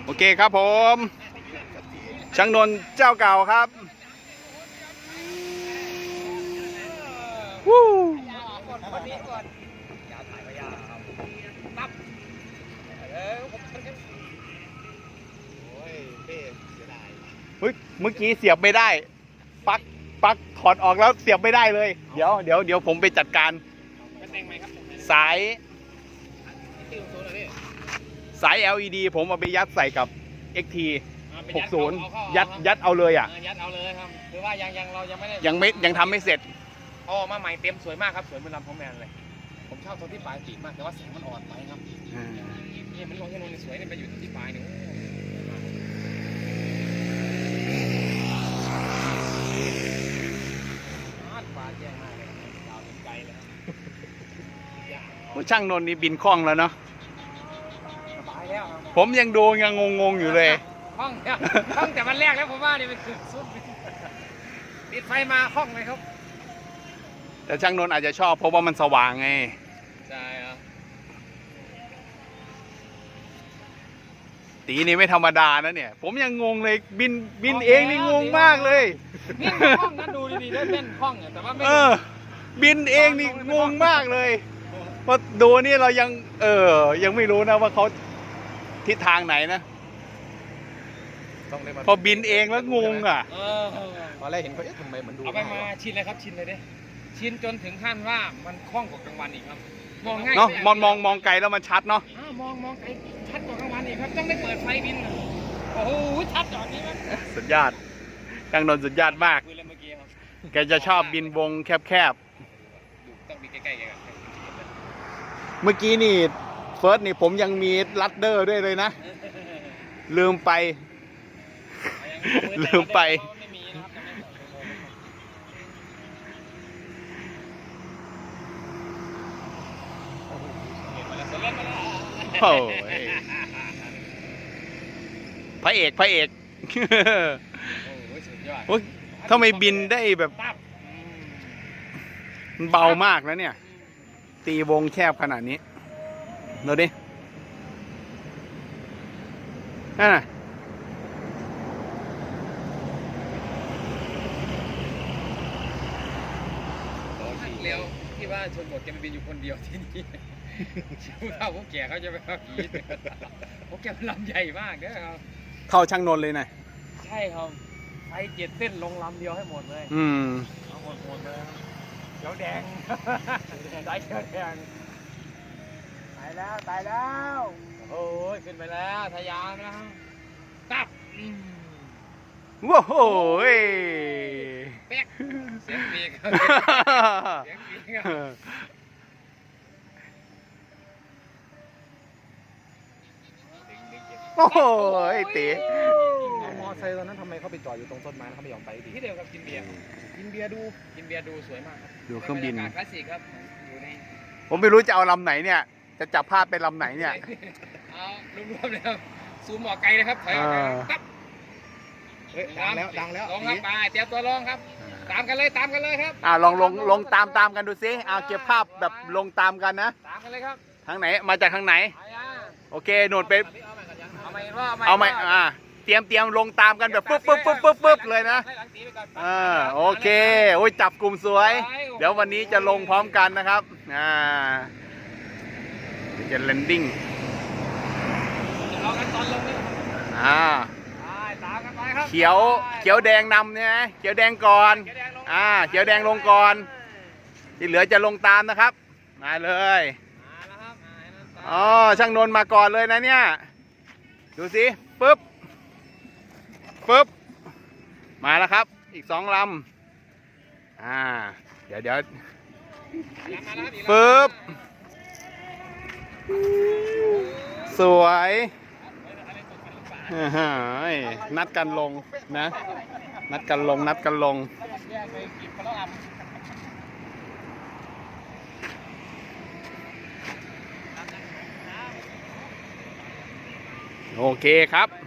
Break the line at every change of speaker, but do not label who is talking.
โอเคครับผมช่างนนท์เจ้าเก่าครับวู้เฮ้ยเมื่อกี้เสียบไม่ได้ปลั๊กถอดออกแล้วเสียบไม่ได้เลยเดี๋ยวผมไปจัดการสาย LED ผมเอาไปยัดใส่กับ XT 60ยัดเอาเลยอ่ะ
ยัดเอาเลยครับคือว่าเรายังไม่ได้
ยังทำไม่เสร็จ
มาใหม่เต็มสวยมากครับสวยเหมือนลำพอแมนเลยผมชอบตรงที่ปลายปีกมากแต่ว่าแสงมันอ่อนไปครับนี่มันลงแค่ลงสวยเนี่ยไปอยู่ที่ปลายเนี่ยฟ้าแจ้งมากเลยยาวถึงไกลเลย
ช่างนนท์นี่บินคล่องแล้วเนาะ
สบายแล้วครับ
ผมยังดูยังงงอยู่เลย
คล่องแต่มันแรกแล้วผมว่านี่เป็นคือสุดติดไฟมาคล่องเลยครับ
แต่ช่างนนท์อาจจะชอบเพราะว่ามันสว่างไง
ใช่ครับ
ตีนี่ไม่ธรรมดานะเนี่ยผมยังงงเลยบินเองนี่งงมากเลย
นี่คล่องนะดูดีๆได้เล่นคล่องแต่ว่าไม่
บินเองนี่งงมากเลยพอดูนี่เรายังไม่รู้นะว่าเขาทิศทางไหนนะพอบินเองแล้วงงอ่ะ
ตอนแรกเห็นเขาทำไมเหมือนดูเอาไปมาชินเลยครับชินเลยดิชินจนถึงขั้นว่ามันคล่องกว่ากลางวันอีกครับมองง่าย
เนาะมองไกลแล้วมันชัดเนาะ
มองไกลชัดกว่ากลางวันอีกครับต้องได้เปิดไฟบินโอ้โหชัดจอดนี้มั้ย
สุดยอดช่างนนท์สุดยอดมากแกจะชอบบินวงแคบ
ต้องบินใกล้ๆกัน
เมื่อกี้นี่เฟิร์สนี่ผมยังมีลัดเดอร์ด้วยเลยนะลืมไปโอ้ยพระเอกโอ้ยทำไมบินได้แบบมันเบามากแล้วเนี่ยตีวงแคบขนาดนี้ดูดินั่นน่ะ
เร็วที่ว่าชนบทแกมันบินอยู่คนเดียวที่นี่ผู้เฒ่าผู้แก่เขาจะไปขับขี่พวกแกมันลำใหญ่มากนะครับ
เข้าช่างนนท์เลยนะ
ใช่ครับไฟ7 เส้นลงลำเดียวให้หมดเลยเอาหมดเลยเขียวแดงได้เขียวแดงตายแล้วโอ้ยขึ้นไปแล้วทะยานนะครับตับ
ว้าว
เป๊กเสียงปีก
โอ้โหตี
มอไซค์ตอนนั้นทำไมเขาไปจอดอยู่ตรงต้นไม้เขาไม่ยอมไปดี
ที่เดียวกับกินเบียร์ดูสวยมากครับ
ดูเครื่องบิน
คลาสสิกครับอยู่ใน
ผมไม่รู้จะเอาลำไหนเนี่ยจะจับภาพเป็นลำไหนเนี่ย
เอารวมๆเลยครับซูมออกไกลเลยครับถอยออกไกลครับ
ดังแล้ว
ลงครับไปเตรียมตัวลงครับตามกันเลยครับ
ลงตามกันดูซิเก็บภาพแบบลงตามกันนะ
ตามกันเลยครับ
ทางไหนมาจากทางไหนโอเคโน่นไป
เอาใหม่
เตรียมลงตามกันแบบปึ๊บเลยนะโอเคโอ้ยจับกลุ่มสวยเดี๋ยววันนี้จะลงพร้อมกันนะครับจะแลนดิ้ง
รอกันตอนลงนี่ตามกันไปครับ
เขียวแดงนำเนี่ยเขียวแดงก่อนเขียวแดงลงก่อนที่เหลือจะลงตามนะครับมาเลยช่างนนท์มาก่อนเลยนะเนี่ยดูสิปึ๊บมาแล้วครับอีก2 ลำเดี๋ยวปึ๊บสวยนัดกันลงนะนัดกันลงโอเคครับ